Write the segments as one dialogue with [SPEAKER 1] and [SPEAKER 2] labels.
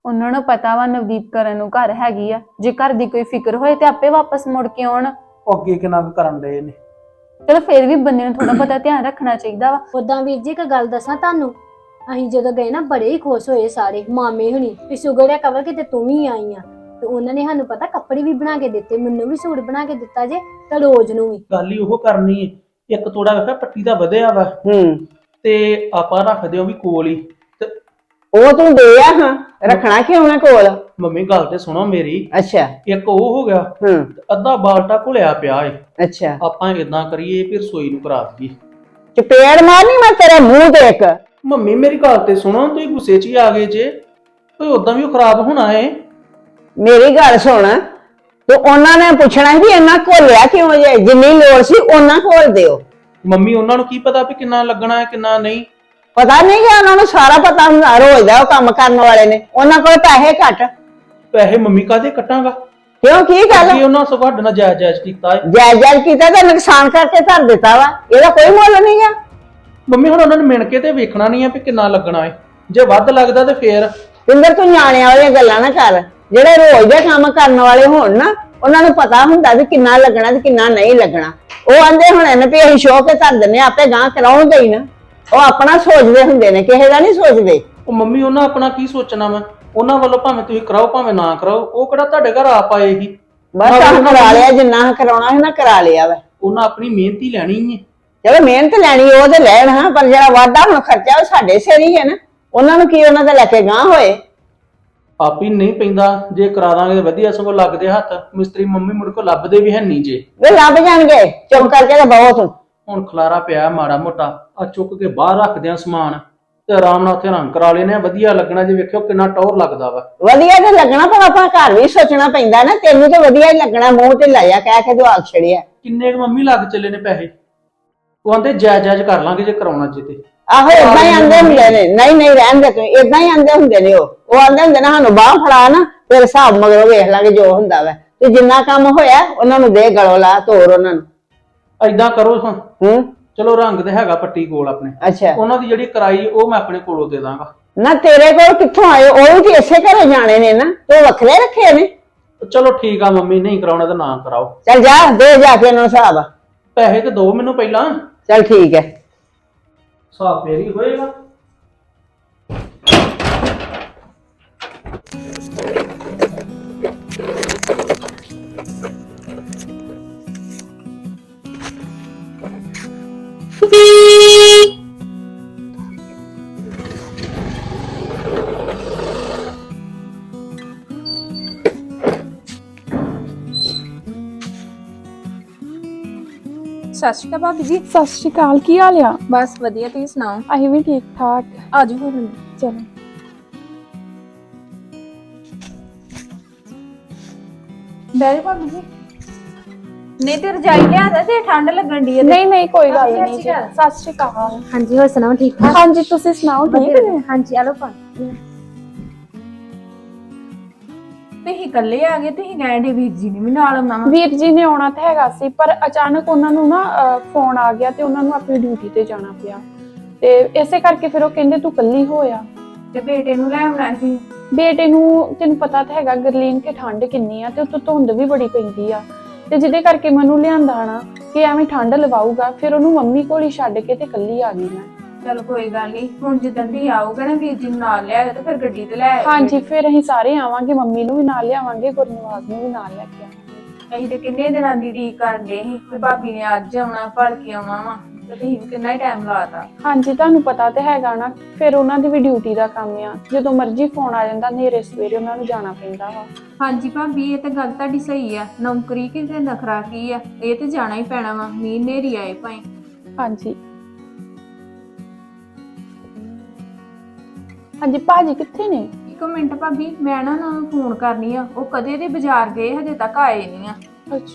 [SPEAKER 1] ਉਹਨਾਂ ਨੂੰ ਪਤਾ ਵਾ ਨਵਦੀਪ ਕਰਨ ਨੂੰ ਘਰ ਹੈਗੀ ਆ, ਜੇ ਘਰ ਦੀ ਕੋਈ ਫਿਕਰ ਹੋਏ ਤੇ ਆਪੇ ਵਾਪਸ ਮੁੜ ਕੇ ਆਉਣ।
[SPEAKER 2] ਉਹ ਅੱਗੇ ਕਿੰਨਾ ਕੁ ਕਰਨ ਦੇ ਨੇ।
[SPEAKER 1] ਚਲੋ ਫਿਰ ਵੀ ਬੰਦੇ ਨੂੰ ਥੋੜਾ ਬਹੁਤਾ ਧਿਆਨ ਰੱਖਣਾ ਚਾਹੀਦਾ ਵਾ।
[SPEAKER 3] ਉਦਾਂ ਵੀਰ ਜੀ ਇੱਕ ਗੱਲ ਦੱਸਾਂ ਤੁਹਾਨੂੰ, ਅਸੀਂ ਜਦੋਂ ਗਏ ਨਾ ਬੜੇ ਹੀ ਖੁਸ਼ ਹੋਏ ਸਾਰੇ ਮਾਮੇ ਹੁਣੀ ਵੀ ਸ਼ੁਗਰ ਹੈ ਕਵਲ ਕਿਤੇ ਤੂੰ ਵੀ ਆਈ ਆ। ਤੇ ਉਹਨਾਂ ਨੇ ਸਾਨੂੰ ਪਤਾ ਕੱਪੜੇ ਵੀ ਬਣਾ ਕੇ ਦਿੱਤੇ, ਮੈਨੂੰ ਵੀ ਸੂਟ ਬਣਾ ਕੇ ਦਿੱਤਾ ਜੇ ਤੇ ਰੋਜ਼ ਨੂੰ ਵੀ।
[SPEAKER 2] ਗੱਲ ਹੀ ਉਹ ਕਰਨੀ ਏ, ਇੱਕ ਤੋੜਾ ਵੇਖਿਆ ਪੱਟੀ ਦਾ ਵਧਿਆ ਵਾ ਤੇ ਆਪਾਂ ਰੱਖਦੇ ਉਹ ਵੀ ਕੋਲ ਹੀ। ਤੇ
[SPEAKER 4] ਉਹ ਤੂੰ ਦੇ ਆ ਹਾਂ, ਰੱਖਣਾ ਕਿਉਂ ਨਾ ਕੋਲ।
[SPEAKER 2] ਮੰਮੀ ਗੱਲ ਤੇ ਸੁਣੋ ਮੇਰੀ,
[SPEAKER 4] ਅੱਛਾ
[SPEAKER 2] ਇੱਕ ਉਹ ਹੋ ਗਿਆ
[SPEAKER 4] ਹੂੰ
[SPEAKER 2] ਤੇ ਅੱਧਾ ਬਾਲਟਾ ਘੁਲਿਆ ਪਿਆ ਏ।
[SPEAKER 4] ਅੱਛਾ
[SPEAKER 2] ਆਪਾਂ ਇਦਾਂ ਕਰੀਏ ਫਿਰ ਰਸੋਈ ਨੂੰ ਕਰਾ ਦਈਏ।
[SPEAKER 4] ਚਪੇੜ ਮਾਰਨੀ ਮੈਂ ਤੇਰੇ ਮੂੰਹ ਤੇ ਇੱਕ।
[SPEAKER 2] ਮੰਮੀ ਮੇਰੀ ਗੱਲ ਤੇ ਸੁਣੋ, ਤੁਸੀਂ ਗੁੱਸੇ 'ਚ ਹੀ ਆ ਗਏ ਜੇ, ਕੋਈ ਉਦਾਂ ਵੀ ਉਹ ਖਰਾਬ ਹੋਣਾ ਏ।
[SPEAKER 4] ਮੇਰੀ ਗੱਲ ਸੁਣ, ਤੇ ਉਹਨਾਂ ਨੇ ਪੁੱਛਣਾ ਵੀ ਇਹਨਾਂ ਘੋਲਿਆ ਕਿਉਂ ਜੇ, ਜਿੰਨੀ ਲੋੜ ਸੀ ਉਹਨਾਂ ਘੋਲ ਦਿਓ।
[SPEAKER 2] ਮੰਮੀ ਉਹਨਾਂ ਨੂੰ ਕੀ ਪਤਾ ਵੀ ਕਿੰਨਾ ਲੱਗਣਾ ਹੈ ਕਿੰਨਾ ਨਹੀਂ।
[SPEAKER 4] ਪਤਾ ਨਹੀਂ ਕਿ ਉਹਨਾਂ ਨੂੰ ਸਾਰਾ ਪਤਾ ਹੁੰਦਾ, ਰੋਜ਼ ਦਾ ਉਹ ਕੰਮ ਕਰਨ ਵਾਲੇ ਨੇ, ਉਹਨਾਂ ਕੋਲ ਪੈਸੇ ਘੱਟ।
[SPEAKER 2] ਪੈਸੇ ਮੰਮੀ ਕਾਹਦੇ ਕੱਟਾਂਗਾ,
[SPEAKER 4] ਕਿਉਂ ਕੀ ਗੱਲ?
[SPEAKER 2] ਕੀ ਉਹਨਾਂ ਸਗੋਂ ਸਾਡੇ ਨਾਲ ਜਾਇਜ਼ ਕੀਤਾ ਏ।
[SPEAKER 4] ਜਾਇਜ਼ ਕੀਤਾ ਤੇ ਨੁਕਸਾਨ ਕਰਕੇ ਧਰ ਦਿੱਤਾ ਵਾ, ਇਹਦਾ ਕੋਈ ਮੁੱਲ ਨਹੀਂ ਗਾ।
[SPEAKER 2] ਮੰਮੀ ਹੁਣ ਉਹਨਾਂ ਨੂੰ ਮਿਣ ਕੇ ਤੇ ਵੇਖਣਾ ਨਹੀਂ ਆ ਵੀ ਕਿੰਨਾ ਲੱਗਣਾ ਏ, ਜੇ ਵੱਧ ਲੱਗਦਾ ਤੇ ਫੇਰ।
[SPEAKER 4] ਪਿੰਦਰ ਤੂੰ ਨਿਆਣਿਆਂ ਵਾਲੀਆਂ ਗੱਲਾਂ ਨਾ ਕਰ, ਜਿਹੜੇ ਰੋਜ਼ ਦੇ ਕੰਮ ਕਰਨ ਵਾਲੇ ਹੋਣ ਨਾ ਉਹਨਾਂ ਨੂੰ ਪਤਾ ਹੁੰਦਾ ਵੀ ਕਿੰਨਾ ਲੱਗਣਾ ਤੇ ਕਿੰਨਾ ਨਹੀਂ ਲੱਗਣਾ। ਉਹ ਆਂਦੇ ਹੁਣ ਇਹਨੇ ਵੀ ਅਸੀਂ ਸ਼ੋਅ ਕੇ ਧਰ ਦਿੰਨੇ, ਆਪੇ ਗਾਂ ਕਰਾਉਣਗੇ ਹੀ ਨਾ। ਉਹ ਆਪਣਾ ਸੋਚਦੇ ਹੁੰਦੇ ਨੇ, ਕਿਸੇ ਦਾ ਨਹੀਂ ਸੋਚਦੇ।
[SPEAKER 2] ਉਹ ਮੰਮੀ ਉਹਨਾਂ ਆਪਣਾ ਕੀ ਸੋਚਣਾ ਵਾ, ਉਹਨਾਂ ਵੱਲੋਂ ਭਾਵੇਂ ਤੁਸੀਂ ਕਰਾਓ ਭਾਵੇਂ ਨਾ ਕਰਾਓ, ਉਹ ਕਿਹੜਾ ਤੁਹਾਡੇ ਘਰ ਆ ਪਾਏਗੀ।
[SPEAKER 4] ਬਸ ਆਹ ਕਰਾ ਲਿਆ, ਜਿੰਨਾ ਕਰਾਉਣਾ ਹੈ ਨਾ ਕਰਾ ਲਿਆ ਵਾ।
[SPEAKER 2] ਉਹਨਾਂ ਆਪਣੀ ਮਿਹਨਤ ਹੀ ਲੈਣੀ ਏ।
[SPEAKER 4] ਚਲੋ ਮਿਹਨਤ ਲੈਣੀ ਉਹ ਤੇ ਲੈਣ ਹਾਂ, ਪਰ ਜਿਹੜਾ ਵਾਧਾ ਹੁਣ ਖਰਚਾ ਉਹ ਸਾਡੇ ਸਿਰ ਹੀ ਹੈ ਨਾ। ਉਹਨਾਂ ਨੂੰ ਕੀ ਉਹਨਾਂ ਦਾ ਲੈ ਕੇ ਗਾਂ ਹੋਏ।
[SPEAKER 2] ਆਪ ਹੀ ਨਹੀਂ ਪੈਂਦਾ, ਜੇ ਕਰਾ ਦਾਂਗੇ ਵਧੀਆ, ਸਗੋਂ ਲੱਗਦੇ ਹੱਥ। ਮਿਸਤਰੀ ਮੰਮੀ ਮੁੜ ਕੋ ਲੱਭਦੇ ਵੀ ਹੈ ਨਹੀਂ ਜੇ।
[SPEAKER 4] ਵੇ ਲੱਭ ਜਾਣਗੇ, ਚੁੱਪ ਕਰਕੇ ਤਾਂ ਬਹੁਤ ਤੂੰ।
[SPEAKER 2] ਹੁਣ ਖਲਾਰਾ ਪਿਆ ਮਾੜਾ ਮੋਟਾ, ਆ ਚੁੱਕ ਕੇ ਬਾਹਰ ਰੱਖਦੇ ਆ ਸਮਾਨ ਤੇ ਆਰਾਮ ਨਾਲ ਉੱਥੇ ਰੰਗ ਕਰਾ ਲੈਨੇ ਆ, ਵਧੀਆ ਲੱਗਣਾ। ਜੇ ਵੇਖਿਓ ਕਿੰਨਾ ਟੌਰ ਲੱਗਦਾ ਵਾ।
[SPEAKER 4] ਵਧੀਆ ਤੇ ਲੱਗਣਾ, ਪਰ ਆਪਾਂ ਘਰ ਵੀ ਸੋਚਣਾ ਪੈਂਦਾ ਨਾ। ਤੈਨੂੰ ਤਾਂ ਵਧੀਆ ਹੀ ਲੱਗਣਾ, ਮੂੰਹ ਤੇ ਲਾਇਆ ਕਹਿ ਕੇ ਜਵਾਬ ਛੜਿਆ।
[SPEAKER 2] ਕਿੰਨੇ ਕੁ ਮੰਮੀ ਲੱਗ ਚੱਲੇ ਨੇ ਪੈਸੇ? ਉਹ ਆਂਦੇ ਜਾਇਜ਼ ਕਰ ਲਾਂਗੇ ਜੇ ਕਰਾਉਣਾ ਜੇ ਤੇ।
[SPEAKER 4] ਆਹੋ ਏਦਾਂ ਹੀ ਆਂਦੇ ਹੁੰਦੇ ਨੇ, ਨਹੀਂ ਨਹੀਂ ਰਹਿਣ ਦੇ ਤੂੰ, ਏਦਾਂ ਹੀ ਆਂਦੇ ਹੁੰਦੇ ਨੇ। ਉਹ ਆਂਦੇ ਹੁੰਦੇ ਨਾ ਸਾਨੂੰ ਬਾਹ ਫੜਾ ਨਾ, ਫਿਰ ਹਿਸਾਬ ਮਗਰੋਂ ਵੇਖ ਲਾਂਗੇ ਜੋ ਹੁੰਦਾ ਵਾ। ਤੇ ਜਿੰਨਾ ਕੰਮ ਹੋਇਆ ਉਹਨਾਂ ਨੂੰ ਦੇ, ਗਲੋਂ ਲਾ, ਤੋਰ ਉਹਨਾਂ ਨੂੰ।
[SPEAKER 2] ਏਦਾਂ ਕਰੋ ਹਾਂ,
[SPEAKER 4] ਹੂੰ
[SPEAKER 2] ਚਲੋ ਰੰਗ ਤੇ ਹੈਗਾ ਪੱਟੀ ਕੋਲ ਆਪਣੇ,
[SPEAKER 4] ਅੱਛਾ
[SPEAKER 2] ਉਹਨਾਂ ਦੀ ਜਿਹੜੀ ਕਰਾਈ ਉਹ ਮੈਂ ਆਪਣੇ ਕੋਲੋਂ ਦੇ ਦਾਂਗਾ।
[SPEAKER 4] ਨਾ ਤੇਰੇ ਕੋਲ ਕਿੱਥੋਂ ਆਏ? ਉਹ ਵੀ ਤੇ ਇਸੇ ਘਰੇ ਜਾਣੇ ਨੇ ਨਾ, ਤੂੰ ਵੱਖਰੇ ਰੱਖੇ ਨੇ।
[SPEAKER 2] ਚਲੋ ਠੀਕ ਆ ਮੰਮੀ, ਨਹੀਂ ਕਰਾਉਣਾ ਤਾਂ ਨਾ ਕਰਾਓ।
[SPEAKER 4] ਚੱਲ ਜਾ ਦੇ ਜਾ ਕੇ ਉਹਨਾਂ ਨੂੰ ਹਿਸਾਬ।
[SPEAKER 2] ਪੈਸੇ ਤੇ ਦਿਓ ਮੈਨੂੰ ਪਹਿਲਾਂ,
[SPEAKER 4] ਚੱਲ ਠੀਕ ਹੈ।
[SPEAKER 2] ਹਿਸਾਬ ਫੇਰ ਹੀ ਹੋਏਗਾ।
[SPEAKER 5] ਸਤਿ ਸ਼੍ਰੀ ਅਕਾਲ ਭਾਬੀ ਜੀ।
[SPEAKER 6] ਸਤਿ ਸ਼੍ਰੀ ਅਕਾਲ, ਕੀ ਹਾਲ ਆ?
[SPEAKER 5] ਬਸ ਵਧੀਆ, ਤੁਸੀਂ ਸੁਣਾਓ?
[SPEAKER 6] ਅਸੀਂ ਵੀ ਠੀਕ ਠਾਕ।
[SPEAKER 5] ਆਜੋ ਫਿਰ।
[SPEAKER 6] ਚਲੋ
[SPEAKER 5] ਬੈਠੋ ਭਾਬੀ ਜੀ। ਨਹੀਂ ਤੇ ਰਜਾਈ ਲਿਆ ਦੇ, ਤੇ ਠੰਡ ਲੱਗਣ ਦੀ ਹੈ।
[SPEAKER 6] ਨਹੀਂ ਨਹੀਂ ਕੋਈ ਗੱਲ ਨਹੀਂ ਜੀ। ਸਤਿ ਸ਼੍ਰੀ ਅਕਾਲ।
[SPEAKER 3] ਹਾਂਜੀ ਹੋਰ ਸੁਣਾਓ, ਠੀਕ ਠਾਕ?
[SPEAKER 6] ਹਾਂਜੀ ਤੁਸੀਂ ਸੁਣਾਓ, ਠੀਕ ਨੇ?
[SPEAKER 3] ਹਾਂਜੀ ਆਲੋ ਪਾਣੀ।
[SPEAKER 5] ਤੁਸੀਂ ਇਕੱਲੇ ਆ ਗਏ, ਤੁਸੀਂ ਕਹਿੰਦੇ ਵੀਰ ਜੀ ਨੇ ਵੀ ਨਾਲ ਆਉਣਾ ਵਾ।
[SPEAKER 6] ਵੀਰ ਜੀ ਨੇ ਆਉਣਾ ਤਾਂ ਹੈਗਾ ਸੀ, ਪਰ ਅਚਾਨਕ ਉਹਨਾਂ ਨੂੰ ਨਾ ਫੋਨ ਆ ਗਿਆ ਤੇ ਉਹਨਾਂ ਨੂੰ ਆਪਣੀ ਡਿਊਟੀ ਤੇ ਜਾਣਾ ਪਿਆ, ਤੇ ਇਸੇ ਕਰਕੇ ਫਿਰ ਉਹ ਕਹਿੰਦੇ ਤੂੰ ਇਕੱਲੀ ਹੋਇਆ।
[SPEAKER 5] ਤੇ ਬੇਟੇ ਨੂੰ ਲੈ ਆਉਣਾ ਸੀ।
[SPEAKER 6] ਬੇਟੇ ਨੂੰ ਤੈਨੂੰ ਪਤਾ ਤਾਂ ਹੈਗਾ ਗਰਲੀਨ ਕਿ ਠੰਡ ਕਿੰਨੀ ਆ, ਤੇ ਉੱਤੋਂ ਧੁੰਦ ਵੀ ਬੜੀ ਪੈਂਦੀ ਆ, ਤੇ ਜਿਹਦੇ ਕਰਕੇ ਮੈਨੂੰ ਲਿਆਂਦਾ ਨਾ ਕਿ ਐਵੇਂ ਠੰਡ ਲਵਾਊਗਾ। ਫਿਰ ਉਹਨੂੰ ਮੰਮੀ ਕੋਲ ਹੀ ਛੱਡ ਕੇ ਤੇ ਇਕੱਲੀ ਆ ਗਈ ਮੈਂ।
[SPEAKER 5] ਚਲ ਕੋਈ ਗੱਲ ਨਹੀਂ, ਹੁਣ ਜਿੱਦਾਂ ਦੀ ਆਊਗਾ ਨਾ ਵੀਰ ਜੀ ਨੂੰ ਨਾਲ ਲਿਆਇਓ, ਤੇ ਫਿਰ ਗੱਡੀ ਤੇ ਲੈ ਆਇਓ।
[SPEAKER 6] ਹਾਂਜੀ ਫਿਰ ਅਸੀਂ ਸਾਰੇ ਆਵਾਂਗੇ, ਮੰਮੀ ਨੂੰ ਵੀ ਨਾਲ ਲਿਆਵਾਂਗੇ, ਗੁਰਨਵਾਜ ਨੂੰ ਵੀ ਨਾਲ ਲੈ ਕੇ ਆਵਾਂਗੇ।
[SPEAKER 5] ਅਸੀਂ ਤੇ ਕਿੰਨੇ ਦਿਨਾਂ ਦੀ ਉਡੀਕ ਕਰਦੇ ਸੀ ਕਿ ਭਾਬੀ ਨੇ ਅੱਜ ਆਉਣਾ, ਭੜ ਕੇ ਆਉਣਾ ਵਾ, ਤੇ ਤੁਸੀਂ ਵੀ ਕਿੰਨਾ ਹੀ ਟਾਈਮ ਲਾਤਾ।
[SPEAKER 6] ਹਾਂਜੀ ਤੁਹਾਨੂੰ ਪਤਾ ਤੇ ਹੈਗਾ ਨਾ, ਫਿਰ ਉਹਨਾਂ ਦੀ ਵੀ ਡਿਊਟੀ ਦਾ ਕੰਮ ਆ, ਜਦੋਂ ਮਰਜ਼ੀ ਫੋਨ ਆ ਜਾਂਦਾ, ਨੇਰੇ ਸਵੇਰੇ ਉਹਨਾਂ ਨੂੰ ਜਾਣਾ ਪੈਂਦਾ ਵਾ।
[SPEAKER 5] ਹਾਂਜੀ ਭਾਬੀ, ਇਹ ਤਾਂ ਗੱਲ ਤੁਹਾਡੀ ਸਹੀ ਆ। ਨੌਕਰੀ ਕਿਤੇ ਨਖਰਾ ਕੀ ਆ, ਇਹ ਤੇ ਜਾਣਾ ਹੀ ਪੈਣਾ ਵਾ, ਮੀਂਹ ਨੇਰੀ ਆਏ ਭਾਈ।
[SPEAKER 6] ਹਾਂਜੀ ਹਾਂਜੀ ਭਾਜੀ ਕਿੱਥੇ ਨੇ?
[SPEAKER 5] ਇੱਕ ਮਿੰਟ ਭਾਬੀ, ਮੈਂ ਨਾ ਉਹਨਾਂ ਨੂੰ ਫੋਨ ਕਰਨੀ ਆ, ਉਹ ਕਦੇ ਦੇ ਬਾਜ਼ਾਰ ਗਏ, ਹਜੇ ਤੱਕ ਆਏ ਨਹੀਂ ਆ।
[SPEAKER 6] ਅੱਛਾ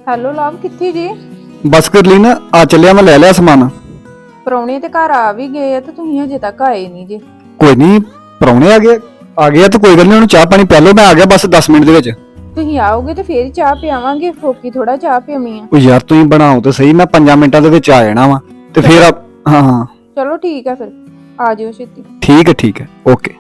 [SPEAKER 5] ਹੈਲੋ ਲਵ, ਕਿੱਥੇ ਜੀ?
[SPEAKER 7] ਬਸ ਕਰ ਲਈ ਨਾ, ਆ ਚੱਲਿਆ ਮੈਂ ਲੈ ਲਿਆ ਸਮਾਨ।
[SPEAKER 5] ਪਰੌਣੇ ਤੇ ਘਰ ਆ ਵੀ ਗਏ ਆ ਤੇ ਤੁਸੀਂ ਹਜੇ ਤੱਕ ਆਏ ਨਹੀਂ ਜੀ।
[SPEAKER 7] ਕੋਈ ਨਹੀਂ, ਪ੍ਰਾਹੁਣੇ ਆ ਗਏ ਤਾਂ ਕੋਈ ਗੱਲ ਨਹੀਂ, ਉਹਨੂੰ ਚਾਹ ਪਾਣੀ ਪਿਆ ਲਓ, ਮੈਂ ਆ ਗਿਆ ਬਸ 10 ਮਿੰਟ ਦੇ ਵਿੱਚ।
[SPEAKER 5] ਤੁਸੀਂ ਆਓਗੇ ਤੇ ਫੇਰ ਹੀ ਚਾਹ ਪਿਆਵਾਂਗੇ, ਫੋਕੀ ਥੋੜਾ ਚਾਹ ਪਿਆਵੀਂ ਆ।
[SPEAKER 7] ਉਹ ਯਾਰ ਤੁਸੀਂ ਬਣਾਓ ਤੇ ਸਹੀ, ਮੈਂ 5 ਮਿੰਟਾਂ ਦੇ ਵਿੱਚ ਆ ਜਾਣਾ ਵਾ ਤੇ ਫਿਰ ਹਾਂ
[SPEAKER 5] ਚਲੋ ਠੀਕ ਆ, ਫਿਰ ਆ ਜਿਓ ਛੇਤੀ।
[SPEAKER 7] ਠੀਕ ਹੈ ਓਕੇ।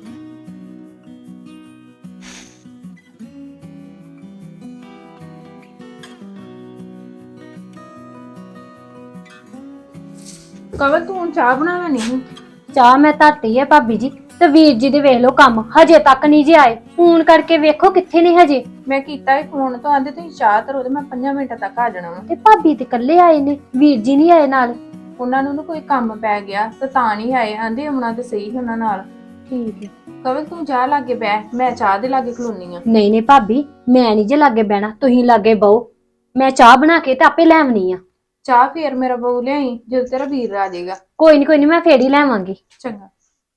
[SPEAKER 5] ਕਵਲ ਤੂੰ ਹੁਣ ਚਾਹ ਬਣਾਵਾ ਨਹੀਂ?
[SPEAKER 3] ਚਾਹ ਮੈਂ ਧਰਤੀ ਹੈ ਭਾਬੀ ਜੀ, ਤੇ ਵੀਰ ਜੀ ਦੇ ਵੇਖ ਲਓ ਕੰਮ, ਹਜੇ ਤੱਕ ਨਹੀਂ ਜੇ ਆਏ। ਫੋਨ ਕਰਕੇ ਵੇਖੋ ਕਿੱਥੇ ਨੇ ਹਜੇ।
[SPEAKER 5] ਮੈਂ ਕੀਤਾ ਫੋਨ ਤੋਂ, ਆਂਦੇ ਤੁਸੀਂ ਚਾਹ ਧਰੋ ਤੇ ਮੈਂ 5 ਮਿੰਟਾਂ ਤੱਕ ਆ ਜਾਣਾ ਵਾ।
[SPEAKER 3] ਤੇ ਭਾਬੀ ਤੇ ਇਕੱਲੇ ਆਏ ਨੇ, ਵੀਰ ਜੀ ਨਹੀਂ ਆਏ ਨਾਲ।
[SPEAKER 5] ਉਹਨਾਂ ਨੂੰ ਨਾ ਕੋਈ ਕੰਮ ਪੈ ਗਿਆ ਤੇ ਤਾਂ ਨਹੀਂ ਆਏ, ਆਂਦੇ ਆਉਣਾ ਤੇ ਸਹੀ ਸੀ ਉਹਨਾਂ ਨਾਲ।
[SPEAKER 3] ਠੀਕ ਹੈ।
[SPEAKER 5] ਕਵਲ ਤੂੰ ਚਾਹ ਲਾਗੇ ਬਹਿ, ਮੈਂ ਚਾਹ ਦੇ ਲਾਗੇ ਖਲੋਨੀ ਆ।
[SPEAKER 3] ਨਹੀਂ ਭਾਬੀ, ਮੈਂ ਨਹੀਂ ਜੇ ਲਾਗੇ ਬਹਿਣਾ, ਤੁਸੀਂ ਲਾਗੇ ਬਹੋ। ਮੈਂ ਚਾਹ ਬਣਾ ਕੇ ਤੇ ਆਪੇ ਲੈ ਆਉਣੀ ਆ।
[SPEAKER 5] ਚਾਹ ਫੇਰ ਮੇਰਾ ਬਹੂ ਲਿਆਈ ਜਦੋਂ ਤੇਰਾ ਵੀਰ ਆ ਜਾਏਗਾ।
[SPEAKER 3] ਕੋਈ ਨਹੀਂ ਮੈਂ ਫੇਰ ਹੀ ਲੈ ਆਵਾਂਗੀ।
[SPEAKER 5] ਚੰਗਾ।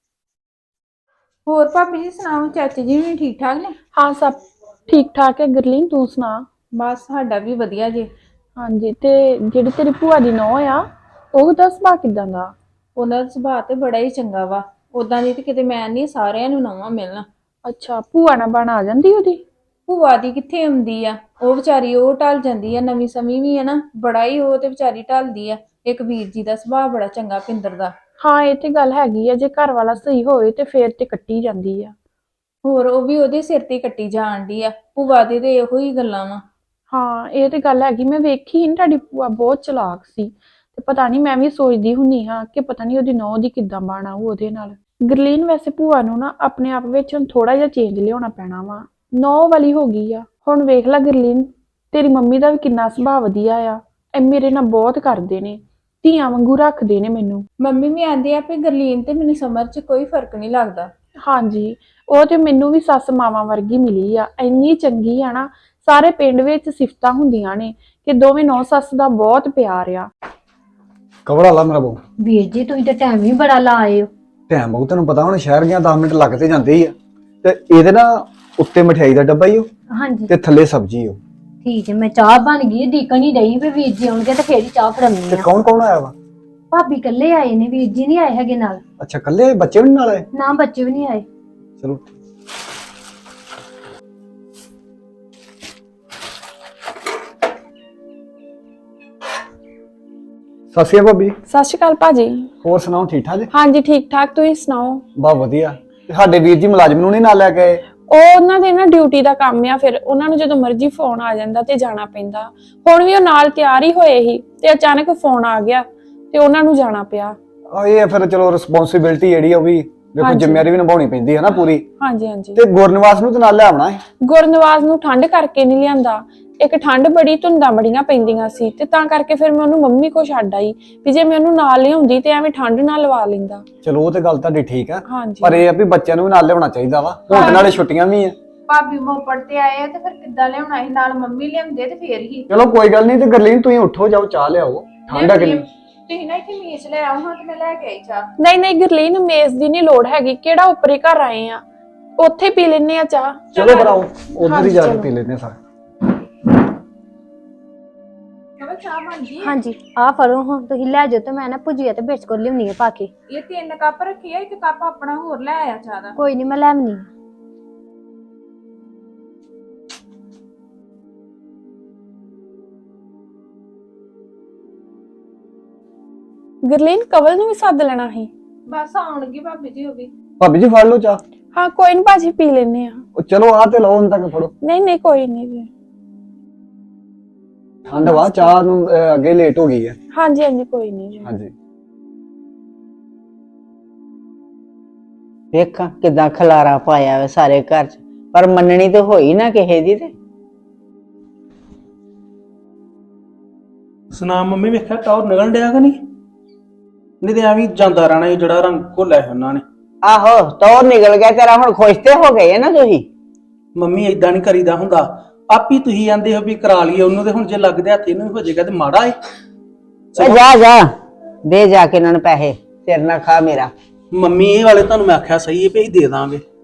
[SPEAKER 5] ਹੋਰ ਭਾਬੀ ਜੀ ਸੁਣਾਓ, ਚਾਚੀ ਜੀ ਵੀ ਠੀਕ ਠਾਕ ਨੇ?
[SPEAKER 6] ਹਾਂ ਸਭ ਠੀਕ ਠਾਕ ਹੈ। ਗਰਲੀਨ ਤੂੰ ਸੁਣਾ?
[SPEAKER 5] ਬਸ ਸਾਡਾ ਵੀ ਵਧੀਆ ਜੀ।
[SPEAKER 6] ਹਾਂਜੀ, ਤੇ ਜਿਹੜੀ ਤੇਰੀ ਭੂਆ ਦੀ ਨੂੰਹ ਆ, ਉਹਦਾ ਸੁਭਾਅ ਕਿਦਾਂ ਦਾ?
[SPEAKER 5] ਉਹਨਾਂ ਦਾ ਸੁਭਾਅ ਤੇ ਬੜਾ ਹੀ ਚੰਗਾ ਵਾ। ਉਦਾਂ ਦੀ ਤੇ ਕਿਤੇ ਮੈਂ ਨਹੀਂ, ਸਾਰਿਆਂ ਨੂੰ ਨਵਾਂ ਮਿਲਣਾ।
[SPEAKER 6] ਅੱਛਾ, ਭੂਆ ਨਾਲ ਬਣ ਆ ਜਾਂਦੀ ਉਹਦੀ?
[SPEAKER 5] ਭੂਆ ਦੀ ਕਿੱਥੇ ਆਉਂਦੀ ਆ, ਉਹ ਵਿਚਾਰੀ ਉਹ ਢਲ ਜਾਂਦੀ ਆ, ਨਵੀਂ ਸਮੀ ਵੀ ਆ ਨਾ, ਬੜਾ ਹੀ ਉਹ ਤੇ ਵਿਚਾਰੀ ਢਲਦੀ ਆ। ਇੱਕ ਵੀਰ ਜੀ ਦਾ ਸੁਭਾਅ ਬੜਾ ਚੰਗਾ, ਪਿੰਦਰ ਦਾ।
[SPEAKER 6] ਹਾਂ ਇਹ ਤੇ ਗੱਲ ਹੈਗੀ ਆ, ਜੇ ਘਰ ਵਾਲਾ ਸਹੀ ਹੋਵੇ ਤੇ ਫੇਰ ਤੇ ਕੱਟੀ ਜਾਂਦੀ ਆ।
[SPEAKER 5] ਹੋਰ ਉਹ ਵੀ ਉਹਦੇ ਸਿਰ ਤੇ ਕੱਟੀ ਜਾਣ ਦੀ ਆ। ਭੂਆ ਦੇ ਤੇ ਇਹੋ ਹੀ ਗੱਲਾਂ ਵਾ।
[SPEAKER 6] ਹਾਂ ਇਹ ਤੇ ਗੱਲ ਹੈਗੀ, ਮੈਂ ਵੇਖੀ ਨਾ ਤੁਹਾਡੀ ਭੂਆ ਬਹੁਤ ਚਲਾਕ ਸੀ, ਤੇ ਪਤਾ ਨਹੀਂ ਮੈਂ ਵੀ ਸੋਚਦੀ ਹੁੰਨੀ ਹਾਂ ਕਿ ਪਤਾ ਨਹੀਂ ਉਹਦੀ ਨੂੰਹ ਦੀ ਕਿੱਦਾਂ ਬਣਾ ਉਹਦੇ ਨਾਲ। ਗਰਲੀਨ ਵੈਸੇ ਭੂਆ ਨੂੰ ਨਾ ਆਪਣੇ ਆਪ ਵਿੱਚ ਹੁਣ ਥੋੜਾ ਜਿਹਾ ਚੇਂਜ ਲਿਆਉਣਾ ਪੈਣਾ ਵਾ, ਨੂੰਹ ਵਾਲੀ ਹੋ ਗਈ ਆ ਹੁਣ। ਵੇਖ ਲੈ ਗਰਲੀਨ, ਤੇਰੀ ਮੰਮੀ ਦਾ ਵੀ ਕਿੰਨਾ ਸੁਭਾਅ ਵਧੀਆ ਆ, ਇਹ ਮੇਰੇ ਨਾਲ ਬਹੁਤ ਕਰਦੇ ਨੇ, ਧੀਆਂ ਵਾਂਗੂ ਰੱਖਦੇ ਨੇ ਮੈਨੂੰ।
[SPEAKER 5] ਮੰਮੀ ਵੀ ਆਂਦੇ ਆ ਵੀ ਗਰਲੀਨ ਤੇ ਮੈਨੂੰ ਸਮਝ 'ਚ ਕੋਈ ਫਰਕ ਨਹੀਂ ਲੱਗਦਾ।
[SPEAKER 6] ਹਾਂਜੀ, ਉਹ ਤੇ ਮੈਨੂੰ ਵੀ ਸੱਸ ਮਾਵਾਂ ਵਰਗੀ ਮਿਲੀ ਆ, ਇੰਨੀ ਚੰਗੀ ਆ ਨਾ। ਸਾਰੇ ਪਿੰਡ ਵਿੱਚ ਸਿਫਤਾਂ ਹੁੰਦੀਆਂ ਨੇ ਕਿ ਦੋਵੇਂ ਨੌ ਸੱਸ ਦਾ ਬਹੁਤ ਪਿਆਰ ਆ।
[SPEAKER 7] ਕਵੜਾ ਲਾ ਮੇਰਾ ਬਹੁ।
[SPEAKER 3] ਵੀਰ ਜੀ ਤੁਸੀਂ ਤਾਂ ਟਾਈਮ ਵੀ ਬੜਾ ਲਾ ਆਏ ਹੋ।
[SPEAKER 7] ਟਾਈਮ ਬਹੁ ਤੈਨੂੰ ਪਤਾ ਹੁਣ ਸ਼ਹਿਰ ਗਿਆ 10 ਮਿੰਟ ਲੱਗ ਤੇ ਜਾਂਦੇ ਹੀ ਆ। ਤੇ ਇਹਦੇ ਨਾ ਉੱਤੇ ਮਠਿਆਈ ਦਾ ਡੱਬਾ ਹੀ ਉਹ
[SPEAKER 3] ਹਾਂਜੀ
[SPEAKER 7] ਤੇ ਥੱਲੇ ਸਬਜ਼ੀ ਉਹ।
[SPEAKER 3] ਠੀਕ ਹੈ, ਮੈਂ ਚਾਹ ਬਣ ਗਈ, ਡੀਕਣ ਹੀ ਰਹੀ ਵੀ ਵੀਰ ਜੀ ਆਉਣਗੇ ਤੇ ਫੇਰ ਹੀ ਚਾਹ ਫੜਾਉਣੀ
[SPEAKER 7] ਤੇ
[SPEAKER 3] ਆ।
[SPEAKER 7] ਕੌਣ ਆਇਆ ਵਾ?
[SPEAKER 3] ਭਾਬੀ ਇਕੱਲੇ ਆਏ ਨੇ, ਵੀਰ ਜੀ ਨਹੀਂ ਆਏ ਹੈਗੇ ਨਾਲ।
[SPEAKER 7] ਅੱਛਾ ਕੱਲੇ, ਬੱਚੇ ਵੀ ਨੀ ਨਾਲ ਆਏ?
[SPEAKER 3] ਨਾ ਬੱਚੇ ਵੀ ਨਹੀਂ ਆਏ।
[SPEAKER 7] ਚਲੋ ਸਤਿ ਸ਼੍ਰੀ ਅਕਾਲ ਭਾਬੀ।
[SPEAKER 6] ਸਤਿ ਸ਼੍ਰੀ ਅਕਾਲ ਭਾਜੀ।
[SPEAKER 7] ਹੋਰ ਸੁਣਾਓ, ਠੀਕ ਠਾਕ ਜੀ?
[SPEAKER 6] ਹਾਂਜੀ ਠੀਕ ਠਾਕ, ਤੁਸੀਂ ਸੁਣਾਓ?
[SPEAKER 7] ਬਹੁਤ ਵਧੀਆ। ਤੇ ਸਾਡੇ ਵੀਰ ਜੀ ਮੁਲਾਜ਼ਮ ਨੂੰ ਨਹੀਂ ਨਾਲ ਲੈ ਕੇ ਆਏ?
[SPEAKER 6] ਉਹ ਉਹਨਾਂ ਦੇ ਨਾ ਡਿਊਟੀ ਦਾ ਕੰਮ ਆ, ਫਿਰ ਉਹਨਾਂ ਨੂੰ ਜਦੋਂ ਮਰਜ਼ੀ ਫੋਨ ਆ ਜਾਂਦਾ ਤੇ ਜਾਣਾ ਪੈਂਦਾ। ਹੁਣ ਵੀ ਉਹ ਨਾਲ ਤਿਆਰ ਹੀ ਹੋਏ ਸੀ ਤੇ ਅਚਾਨਕ ਫੋਨ ਆ ਗਿਆ ਤੇ ਉਹਨਾਂ ਨੂੰ ਜਾਣਾ ਪਿਆ।
[SPEAKER 7] ਇਹ ਫਿਰ ਚਲੋ ਰਿਸਪੌਂਸਿਬਿਲਟੀ ਜਿਹੜੀ ਉਹ ਵੀ ਦੇਖੋ, ਜ਼ਿੰਮੇਵਾਰੀ ਵੀ ਨਿਭਾਉਣੀ ਪੈਂਦੀ ਹੈ ਨਾ ਪੂਰੀ।
[SPEAKER 6] ਹਾਂਜੀ ਹਾਂਜੀ।
[SPEAKER 7] ਤੇ ਗੁਰਨਿਵਾਸ ਨੂੰ ਤੇ ਨਾਲ ਲੈ ਆਉਣਾ ਹੈ?
[SPEAKER 6] ਗੁਰਨਵਾਜ ਨੂੰ ਠੰਡ ਕਰਕੇ ਨਹੀਂ ਲਿਆਂਦਾ, ਇੱਕ ਠੰਡ ਬੜੀ, ਧੁੰਦਾਂ ਬੜੀਆਂ ਪੈਂਦੀਆਂ ਸੀ ਤੇ ਤਾਂ ਕਰਕੇ ਫਿਰ ਮੈਂ ਉਹਨੂੰ ਮੰਮੀ ਕੋ ਛੱਡ ਆਈ ਵੀ ਜੇ ਮੈਂ ਉਹਨੂੰ ਨਾਲ ਲਿਆਉਂਦੀ ਤੇ ਐਵੇਂ ਠੰਡ ਨਾਲ ਲਵਾ ਲੈਂਦਾ।
[SPEAKER 7] ਚਲੋ ਉਹ ਤੇ ਗੱਲ ਤੁਹਾਡੀ ਠੀਕ ਆ,
[SPEAKER 6] ਹਾਂਜੀ
[SPEAKER 7] ਪਰ ਇਹ ਆ ਵੀ ਬੱਚਿਆਂ ਨੂੰ ਵੀ ਨਾਲ ਲਿਆਉਣਾ ਚਾਹੀਦਾ ਵਾ, ਹੁਣ ਤੇ ਨਾਲੇ ਛੁੱਟੀਆਂ ਵੀ ਆ।
[SPEAKER 5] ਭਾਬੀ ਮੋਪੜ ਤੇ ਆਏ ਆ ਤੇ ਫਿਰ ਕਿੱਦਾਂ ਲਿਆਉਣਾ ਸੀ, ਨਾਲ ਮੰਮੀ ਲਿਆਉਂਦੇ ਤੇ ਫੇਰ ਹੀ।
[SPEAKER 7] ਚਲੋ ਕੋਈ ਗੱਲ ਨਹੀਂ। ਤੇ ਗਰਲੀਨ ਤੁਸੀਂ ਉੱਠੋ, ਜਾਓ ਚਾਹ ਲਿਆਓ, ਠੰਡਾ ਕਿੰਨੀ।
[SPEAKER 5] ਤੁਸੀਂ ਨਾ ਇੱਥੇ ਮੇਜ਼ ਲੈ ਆਓ ਹਾਂ ਤੇ ਮੈਂ ਲੈ ਕੇ ਆਈ ਚਾਹ।
[SPEAKER 6] ਨਹੀਂ ਗਰਲੀਨ, ਮੇਜ਼ ਦੀ ਨਹੀਂ ਲੋੜ ਹੈਗੀ, ਕਿਹੜਾ ਉੱਪਰੇ ਘਰ ਆਏ ਆ, ਉੱਥੇ ਪੀ ਲੈਨੇ ਆ ਚਾਹ।
[SPEAKER 7] ਚਲੋ ਬਣਾਓ, ਉਧਰ ਹੀ ਜਾ ਕੇ ਪੀ ਲੈਨੇ ਸਾਰੇ।
[SPEAKER 5] ਚਲੋ ਚਾਹ ਬਣ ਗਈ।
[SPEAKER 3] ਹਾਂਜੀ ਆਹ ਫੜੋ, ਹੁਣ ਤੁਸੀਂ ਲੈ ਜਾਓ ਤੇ ਮੈਂ ਨਾ ਭੁਜੀਆ ਤੇ ਬਿਸਕੁਟ ਲਿਆਉਣੀ ਆ ਪਾ ਕੇ।
[SPEAKER 5] ਇਹ 3 ਕੱਪ ਰੱਖੀ ਆ, 1 ਕੱਪ ਆਪਣਾ ਹੋਰ ਲੈ ਆਇਆ ਚਾਹ ਦਾ।
[SPEAKER 3] ਕੋਈ ਨਹੀਂ ਮੈਂ ਲੈ ਆਉਣੀ ਆ।
[SPEAKER 6] ਗਰਲੀਨ, ਕਵਲ ਨੂੰ ਵੀ ਸੱਦ ਲੈਣਾ ਸੀ।
[SPEAKER 5] ਬਸ ਆਉਣਗੀ ਭਾਬੀ ਜੀ ਉਹ ਵੀ।
[SPEAKER 7] ਭਾਬੀ ਜੀ ਫੜ ਲਓ ਚਾਹ।
[SPEAKER 6] ਹਾਂ ਕੋਈ ਨੀ ਭਾਜੀ, ਪੀ ਲੈਨੇ ਆ।
[SPEAKER 7] ਉਹ ਚਲੋ ਆ ਤੇ ਲਓ, ਹੁਣ ਤੱਕ ਫੜੋ।
[SPEAKER 6] ਨਹੀਂ ਕੋਈ ਨਹੀਂ।
[SPEAKER 7] ਠੰਡ ਵਾ, ਚਾਹ ਨੂੰ ਅੱਗੇ ਲੇਟ ਹੋ ਗਈ ਹੈ।
[SPEAKER 6] ਹਾਂਜੀ ਹਾਂਜੀ ਕੋਈ ਨਹੀਂ ਜੀ।
[SPEAKER 7] ਹਾਂਜੀ
[SPEAKER 4] ਵੇਖਾਂ ਕਿਦਾਂ ਖਲਾਰਾ ਪਾਇਆ ਵੇ ਸਾਰੇ ਘਰ ਚ, ਪਰ ਮੰਨਣੀ ਤੇ ਹੋਈ ਨਾ ਕਿਸੇ ਦੀ। ਤੇ
[SPEAKER 2] ਸੁਣਾ ਮੰਮੀ, ਵੇਖਿਆ ਟੌਰ ਨਿਕਲਣ ਡਿਆ ਕਿ ਨਹੀਂ ਤੇ ਐਵੇਂ ਜਾਂਦਾ ਰਹਿਣਾ ਇਹ ਜਿਹੜਾ ਰੰਗ ਘੋਲਿਆ ਹੈ ਉਹਨਾਂ ਨੇ।
[SPEAKER 4] ਆਹੋ ਟੌਰ ਨਿਕਲ ਗਿਆ ਤੇਰਾ, ਹੁਣ ਖੁਸ਼ ਤੇ ਹੋ ਗਏ ਨਾ ਤੁਸੀਂ?
[SPEAKER 2] ਮੰਮੀ ਏਦਾਂ ਨਹੀਂ ਕਰੀਦਾ ਹੁੰਦਾ, ਆਪੀ ਤੁਸੀਂ ਆਂਦੇ ਹੋ ਵੀ ਕਰਾ ਲਈਏ ਉਹਨੂੰ, ਤੇ ਹੁਣ ਜੇ ਲੱਗਦੇ ਹੱਥ ਇਹਨੂੰ ਹੋ ਜਾਏਗਾ ਤੇ ਮਾੜਾ ਏ।
[SPEAKER 4] ਓ ਜਾ ਦੇ ਜਾ ਕੇ ਇਹਨਾਂ ਨੂੰ ਪੈਸੇ, ਸਿਰ ਨਾ ਖਾ ਮੇਰਾ।
[SPEAKER 2] ਮੰਮੀ ਇਹ ਵਾਲੇ ਤੁਹਾਨੂੰ ਮੈਂ ਆਖਿਆ ਸਹੀ ਹੈ ਵੀ ਅਸੀਂ ਦੇ ਦਾਂਗੇ,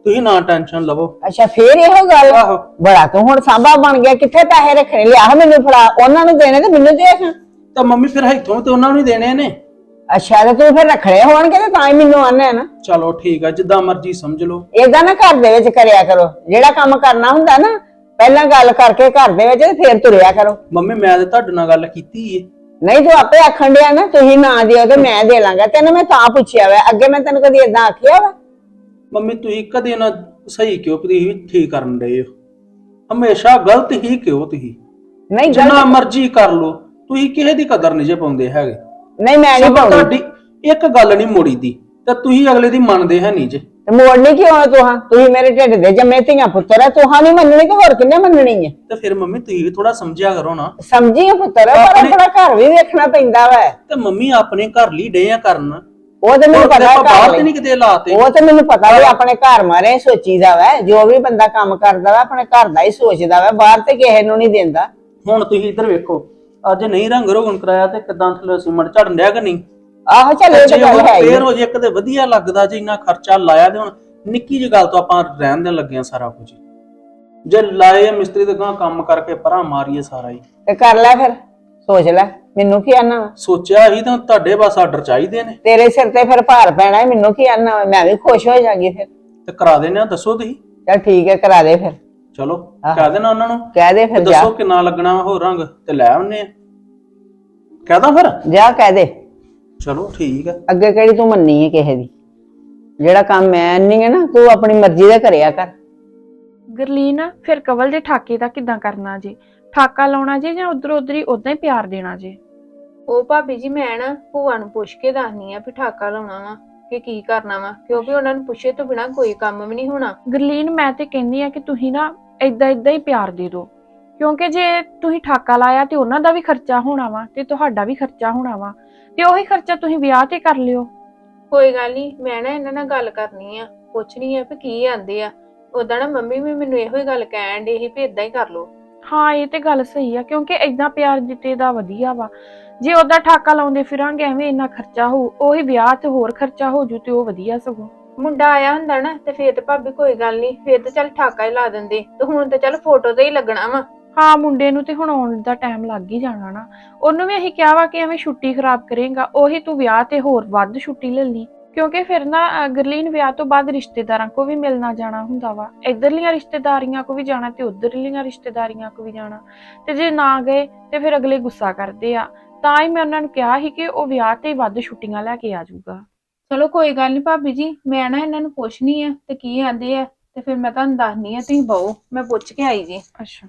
[SPEAKER 2] ਤੁਸੀਂ ਨਾ ਟੈਨਸ਼ਨ ਲਵੋ।
[SPEAKER 4] ਅੱਛਾ ਫੇਰ ਇਹੋ ਗੱਲ
[SPEAKER 2] ਆਹੋ
[SPEAKER 4] ਬੜਾ ਤੂੰ ਹੁਣ ਸਾਂਭਾ ਬਣ ਗਿਆ, ਕਿੱਥੇ ਪੈਸੇ ਰੱਖਣੇ, ਲਿਆ ਮੈਨੂੰ ਫੜਾ, ਉਹਨਾਂ ਨੂੰ ਦੇਣੇ ਤੇ ਮੈਨੂੰ ਦੇ ਖਾਂ।
[SPEAKER 2] ਤਾਂ ਮੰਮੀ ਫਿਰ ਇੱਥੋਂ ਤੇ ਉਹਨਾਂ ਨੂੰ ਹੀ ਦੇਣੇ ਨੇ।
[SPEAKER 4] ਅੱਛਾ ਤੇ ਤੂੰ ਫਿਰ ਰੱਖਣੇ ਹੋਣਗੇ ਤੇ ਤਾਂ ਹੀ ਮੈਨੂੰ ਆਨੇ ਨਾ।
[SPEAKER 2] ਚਲੋ ਠੀਕ ਆ, ਜਿੱਦਾਂ ਮਰਜ਼ੀ ਸਮਝ ਲਓ।
[SPEAKER 4] ਏਦਾਂ ਨਾ ਘਰ ਦੇ ਵਿੱਚ ਕਰਿਆ ਕਰੋ, ਜਿਹੜਾ ਕੰਮ ਕਰਨਾ ਹੁੰਦਾ ਨਾ ਪਹਿਲਾਂ ਗੱਲ ਕਰਕੇ ਘਰ ਦੇ ਵਿੱਚ ਤੇ ਫੇਰ ਤੁਰਿਆ ਕਰੋ।
[SPEAKER 2] ਮੰਮੀ ਮੈਂ ਤੇ ਤੁਹਾਡੇ ਨਾਲ ਗੱਲ ਕੀਤੀ ਏ।
[SPEAKER 4] ਨਹੀਂ ਤੂੰ ਆਪੇ ਆਖਣ ਡਿਆ ਨਾ ਤੁਸੀਂ ਨਾ ਦਿਓ ਤੇ ਮੈਂ ਦੇ ਲਾਂਗਾ, ਤੈਨੂੰ ਮੈਂ ਤਾਂ ਪੁੱਛਿਆ ਵਾ, ਅੱਗੇ ਮੈਂ ਤੈਨੂੰ ਕਦੀ ਏਦਾਂ ਆਖਿਆ ਵਾ?
[SPEAKER 2] ਮੰਮੀ ਤੁਸੀਂ ਕਦੇ ਨਾ ਸਹੀ ਕਿਉਂ, ਤੁਸੀਂ ਵੀ ਠੀਕ ਕਰਨ ਡਏ ਹੋ, ਹਮੇਸ਼ਾ ਗਲਤ ਹੀ ਕਿਉਂ ਤੁਸੀਂ।
[SPEAKER 4] ਨਹੀਂ
[SPEAKER 2] ਜਿੰਨਾ ਮਰਜ਼ੀ ਕਰ ਲੋ, ਤੁਸੀਂ ਕਿਸੇ ਦੀ ਕਦਰ ਨਹੀਂ ਜੇ ਪਾਉਂਦੇ ਹੈਗੇ।
[SPEAKER 4] ਨਹੀਂ ਮੈਂ ਨਹੀਂ
[SPEAKER 2] ਸਗੋਂ
[SPEAKER 4] ਪਾਉਂਦੀ।
[SPEAKER 2] ਤੁਹਾਡੀ ਇੱਕ ਗੱਲ ਨਹੀਂ ਮੋੜੀ ਦੀ ਤੇ ਤੁਸੀਂ ਅਗਲੇ ਦੀ ਮੰਨਦੇ ਹੈ ਨਹੀਂ ਜੇ।
[SPEAKER 4] ਤੇ ਮੋੜਨੀ ਕਿਉਂ ਹੈ ਤੁਸੀਂ ਮੇਰੇ ਢਿੱਡ ਦੇ ਜੰਮੇ ਧੀਆਂ ਪੁੱਤਰ ਆ, ਤੁਹਾਂ ਨਹੀਂ ਮੰਨਣੀ ਤੇ ਹੋਰ ਕਿੰਨੇ ਮੰਨਣੀ ਹੈ?
[SPEAKER 2] ਤੇ ਫਿਰ ਮੰਮੀ ਤੁਸੀਂ ਵੀ ਥੋੜਾ ਸਮਝਿਆ ਕਰੋ ਨਾ।
[SPEAKER 4] ਸਮਝੀ ਪੁੱਤਰ ਪਰ ਆਪਣਾ ਘਰ ਵੀ ਵੇਖਣਾ ਪੈਂਦਾ ਵਾ।
[SPEAKER 2] ਤੇ ਮੰਮੀ ਆਪਣੇ ਘਰ ਲਈ ਡੇ ਆ ਕਰਨ,
[SPEAKER 4] ਉਹ ਤੇ ਮੈਨੂੰ ਪਤਾ
[SPEAKER 2] ਬਾਹਰ ਤੇ
[SPEAKER 4] ਘਰ
[SPEAKER 2] ਨਹੀਂ ਕਿਤੇ ਲਾਤੇ।
[SPEAKER 4] ਉਹ ਤੇ ਮੈਨੂੰ ਪਤਾ ਵੀ ਆਪਣੇ ਘਰ ਮਾਰੇ ਸੋਚੀਦਾ ਵਾ, ਜੋ ਵੀ ਬੰਦਾ ਕੰਮ ਕਰਦਾ ਵਾ ਆਪਣੇ ਘਰ ਦਾ ਹੀ ਸੋਚਦਾ ਵਾ, ਬਾਹਰ ਤੇ ਕਿਸੇ ਨੂੰ ਨਹੀਂ ਦਿੰਦਾ।
[SPEAKER 2] ਹੁਣ ਤੁਸੀਂ ਇੱਧਰ ਵੇਖੋ, ਅੱਜ ਨਹੀਂ ਰੰਗ ਰੋਗਨ ਕਰਾਇਆ ਤੇ ਕਿਦਾਂ ਥੱਲੇ ਸੀਮਟ ਝੜਨ ਡਿਆ ਕਿ ਨਹੀਂ?
[SPEAKER 4] ਆਹੋ ਚੱਲ ਇਹ ਤਾਂ ਗੱਲ ਹੈ ਹੀ।
[SPEAKER 2] ਫੇਰ ਹੋ ਜੇ ਕਦੇ ਵਧੀਆ ਲੱਗਦਾ ਜੇ ਇੰਨਾ ਖਰਚਾ ਲਾਇਆ ਤੇ ਹੁਣ ਨਿੱਕੀ ਜਿਹੀ ਗੱਲ ਤੋਂ ਆਪਾਂ ਰਹਿਣ ਦੇਣ ਲੱਗੇ ਆ ਸਾਰਾ ਕੁਝ। ਜੇ ਲਾਏ ਮਿਸਤਰੀ ਤੇ ਗਾਂ ਕੰਮ ਕਰਕੇ ਪਰਾਂ ਮਾਰੀਏ ਸਾਰਾ ਹੀ।
[SPEAKER 4] ਤੇ ਕਰ ਲੈ ਫਿਰ, ਸੋਚ ਲੈ, ਮੈਨੂੰ ਕੀ ਆਨਾ ਵਾ?
[SPEAKER 2] ਸੋਚਿਆ ਹੀ ਤਾਂ ਤੁਹਾਡੇ ਬਸ ਆਰਡਰ ਚਾਹੀਦੇ ਨੇ।
[SPEAKER 4] ਤੇਰੇ ਸਿਰ ਤੇ ਫਿਰ ਭਾਰ ਪੈਣਾ ਹੈ, ਮੈਨੂੰ ਕੀ ਆਨਾ ਵਾ? ਮੈਂ ਵੀ ਖੁਸ਼ ਹੋ ਜਾਗੀ ਫਿਰ।
[SPEAKER 2] ਤੇ ਕਰਾ ਦੇਣੇ ਆ, ਦੱਸੋ ਤੁਸੀਂ।
[SPEAKER 4] ਚੱਲ ਠੀਕ ਹੈ ਕਰਾ ਦੇ ਫਿਰ।
[SPEAKER 2] ਚਲੋ ਕਹਿ ਦੇਣਾ ਉਹਨਾਂ ਨੂੰ,
[SPEAKER 4] ਕਹਿ ਦੇ ਫਿਰ, ਜਾ
[SPEAKER 2] ਦੱਸੋ ਕਿੰਨਾ ਲੱਗਣਾ ਵਾ ਹੋਰ ਰੰਗ ਤੇ ਲੈ ਆਉਨੇ ਆ। ਕਹਦਾ ਫਿਰ
[SPEAKER 4] ਜਾ ਕਹਿ ਦੇ।
[SPEAKER 2] ਚਲੋ ਠੀਕ ਹੈ।
[SPEAKER 4] ਅੱਗੇ ਕਿਹੜੀ ਤੂੰ ਮੰਨੀ ਹੈ ਕਿਸੇ ਦੀ? ਜਿਹੜਾ ਕੰਮ ਮੈਂ ਨਹੀਂ ਹੈ ਨਾ, ਤੂੰ ਆਪਣੀ ਮਰਜ਼ੀ ਦਾ ਕਰਿਆ ਕਰ।
[SPEAKER 6] ਗਰਲੀਨ ਫਿਰ ਕਵਲ ਦੇ ਠਾਕੇ ਦਾ ਕਿੱਦਾਂ ਕਰਨਾ ਜੇ? ਠਾਕਾ ਲਾਉਣਾ ਜੇ ਜਾਂ ਉਧਰ ਉਧਰ ਹੀ ਉਦਾਂ ਹੀ ਪਿਆਰ ਦੇਣਾ ਜੇ?
[SPEAKER 5] ਉਹ ਭਾਬੀ ਜੀ ਮੈਂ ਨਾ ਭੂਆ ਨੂੰ ਪੁੱਛ ਕੇ ਦੱਸਨੀ ਆ ਵੀ ਠਾਕਾ ਲਾਉਣਾ ਵਾ ਕਿ ਕੀ ਕਰਨਾ ਵਾ, ਕਿਉਂਕਿ ਉਹਨਾਂ ਨੂੰ ਪੁੱਛੇ ਤੋਂ ਬਿਨਾ ਕੋਈ ਕੰਮ ਵੀ ਨਹੀਂ ਹੋਣਾ।
[SPEAKER 6] ਗਰਲੀਨ ਮੈਂ ਤੇ ਕਹਿੰਦੀ ਆ ਕਿ ਤੁਸੀਂ ਨਾ ਏਦਾਂ ਹੀ ਪਿਆਰ ਦੇ ਦਿਓ, ਕਿਉਂਕਿ ਜੇ ਤੁਸੀਂ ਠਾਕਾ ਲਾਇਆ ਤੇ ਉਹਨਾਂ ਦਾ ਵੀ ਖਰਚਾ ਹੋਣਾ ਵਾ ਤੇ ਤੁਹਾਡਾ ਵੀ ਖਰਚਾ ਹੋਣਾ ਵਾ, ਤੇ ਉਹੀ ਖਰਚਾ ਤੁਸੀਂ ਵਿਆਹ ਤੇ ਕਰ ਲਿਓ।
[SPEAKER 5] ਕੋਈ ਗੱਲ ਨਹੀਂ, ਮੈਂ ਨਾ ਇਹਨਾਂ ਨਾਲ ਗੱਲ ਕਰਨੀ ਆ, ਪੁੱਛਣੀ ਆ ਵੀ ਕੀ ਆਂਦੇ ਆ। ਉਦਾਂ ਨਾ ਮੰਮੀ ਵੀ ਮੈਨੂੰ ਇਹੋ ਹੀ ਗੱਲ ਕਹਿਣ ਡੇ ਸੀ ਵੀ ਇਦਾਂ ਹੀ ਕਰ ਲੋ।
[SPEAKER 6] ਹਾਂ ਇਹ ਤੇ ਗੱਲ ਸਹੀ ਆ, ਕਿਉਂਕਿ ਏਦਾਂ ਪਿਆਰ ਜਿੱਤੇ ਦਾ ਵਧੀਆ ਵਾ। ਜੇ ਉਹਦਾ ਠਾਕਾ ਲਾਉਂਦੇ ਫਿਰਾਂਗੇ ਐਵੇਂ ਇੰਨਾ ਖਰਚਾ ਹੋਊ, ਉਹੀ ਵਿਆਹ ਤੇ ਹੋਰ ਖਰਚਾ ਹੋ ਜੂ ਤੇ ਉਹ ਵਧੀਆ ਸਗੋਂ।
[SPEAKER 5] ਮੁੰਡਾ ਆਇਆ ਹੁੰਦਾ ਨਾ ਤੇ ਫੇਰ ਤੇ ਭਾਬੀ ਕੋਈ ਗੱਲ ਨਹੀਂ, ਫੇਰ ਤੇ ਚੱਲ ਠਾਕਾ ਹੀ ਲਾ ਦਿੰਦੇ, ਤੇ ਹੁਣ ਤੇ ਚੱਲ ਫੋਟੋ ਤੇ ਹੀ ਲੱਗਣਾ ਵਾ।
[SPEAKER 6] ਹਾਂ ਮੁੰਡੇ ਨੂੰ ਤੇ ਹੁਣ ਆਉਣ ਦਾ ਟਾਈਮ ਲੱਗ ਹੀ ਜਾਣਾ ਨਾ। ਉਹਨੂੰ ਵੀ ਅਸੀਂ ਕਿਹਾ ਵਾ ਕਿ ਐਵੇਂ ਛੁੱਟੀ ਖਰਾਬ ਕਰੇਗਾ, ਉਹੀ ਤੂੰ ਵਿਆਹ ਤੇ ਹੋਰ ਵੱਧ ਛੁੱਟੀ ਲੈ ਲਈ, ਕਿਉਂਕਿ ਫਿਰ ਨਾ ਗਰਲੀਨ ਵਿਆਹ ਤੋਂ ਬਾਅਦ ਰਿਸ਼ਤੇਦਾਰਾਂ ਕੋ ਵੀ ਮਿਲਣਾ ਜਾਣਾ ਹੁੰਦਾ ਵਾ, ਇੱਧਰਲੀਆਂ ਰਿਸ਼ਤੇਦਾਰੀਆਂ ਕੋ ਵੀ ਜਾਣਾ ਤੇ ਉੱਧਰਲੀਆਂ ਰਿਸ਼ਤੇਦਾਰੀਆਂ ਕੋ ਵੀ ਜਾਣਾ, ਤੇ ਜੇ ਨਾ ਗਏ ਤੇ ਫਿਰ ਅਗਲੇ ਗੁੱਸਾ ਕਰਦੇ ਆ। ਤਾਂ ਹੀ ਮੈਂ ਉਹਨਾਂ ਨੂੰ ਕਿਹਾ ਸੀ ਕਿ ਉਹ ਵਿਆਹ ਤੇ ਵੱਧ ਛੁੱਟੀਆਂ ਲੈ ਕੇ ਆ ਜਾਊਗਾ।
[SPEAKER 5] ਚਲੋ ਕੋਈ ਗੱਲ ਨਹੀਂ ਭਾਬੀ ਜੀ, ਮੈਂ ਨਾ ਇਹਨਾਂ ਨੂੰ ਪੁੱਛਣੀ ਆ ਤੇ ਕੀ ਆਂਦੇ ਆ ਤੇ ਫਿਰ ਮੈਂ ਤੁਹਾਨੂੰ ਦੱਸਣੀ ਆ, ਤੁਸੀਂ ਬਹੁ ਮੈਂ ਪੁੱਛ ਕੇ ਆਈ ਜੀ।
[SPEAKER 6] ਅੱਛਾ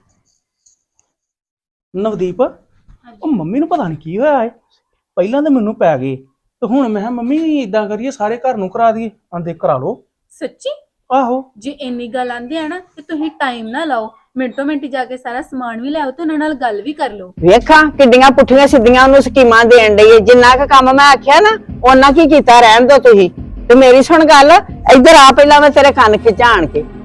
[SPEAKER 2] ਨਵਦੀਪ, ਉਹ ਮੰਮੀ ਨੂੰ ਪਤਾ ਨਹੀਂ ਕੀ ਹੋਇਆ ਏ, ਪਹਿਲਾਂ ਤਾਂ ਮੈਨੂੰ ਪੈ ਗਏ ਤੇ ਹੁਣ ਮੈਂ ਕਿਹਾ ਮੰਮੀ ਇਦਾਂ ਕਰੀਏ ਸਾਰੇ ਘਰ ਨੂੰ ਕਰਾ ਦਈਏ। ਆਂਦੇ ਕਰਾ ਲਓ।
[SPEAKER 8] ਸੱਚੀ?
[SPEAKER 2] ਆਹੋ
[SPEAKER 8] ਜੇ ਇੰਨੀ ਗੱਲ ਆਂਦੇ ਆ ਨਾ ਤੇ ਤੁਸੀਂ ਟਾਈਮ ਨਾ ਲਾਓ, ਮਿੰਟੋ ਮਿੰਟ ਜਾ ਕੇ ਸਾਰਾ ਸਮਾਨ ਵੀ ਲਿਆਓ ਤੇ ਉਹਨਾਂ ਨਾਲ ਗੱਲ ਵੀ ਕਰ ਲਓ।
[SPEAKER 4] ਵੇਖਾਂ ਕਿੱਡੀਆਂ ਪੁੱਠੀਆਂ ਸਿੱਧੀਆਂ ਉਹਨੂੰ ਸਕੀਮਾਂ ਦੇਣ ਡਈ ਏ। ਜਿੰਨਾ ਕੁ ਕੰਮ ਮੈਂ ਆਖਿਆ ਨਾ ਉਹਨਾਂ ਕੀ ਕੀਤਾ, ਰਹਿਣ ਦੋ ਤੁਸੀਂ। ਤੇ ਮੇਰੀ ਸੁਣ ਗੱਲ, ਇੱਧਰ ਆ ਪਹਿਲਾਂ ਮੈਂ ਤੇਰੇ ਕੰਨ ਖਿਚਾਣ ਕੇ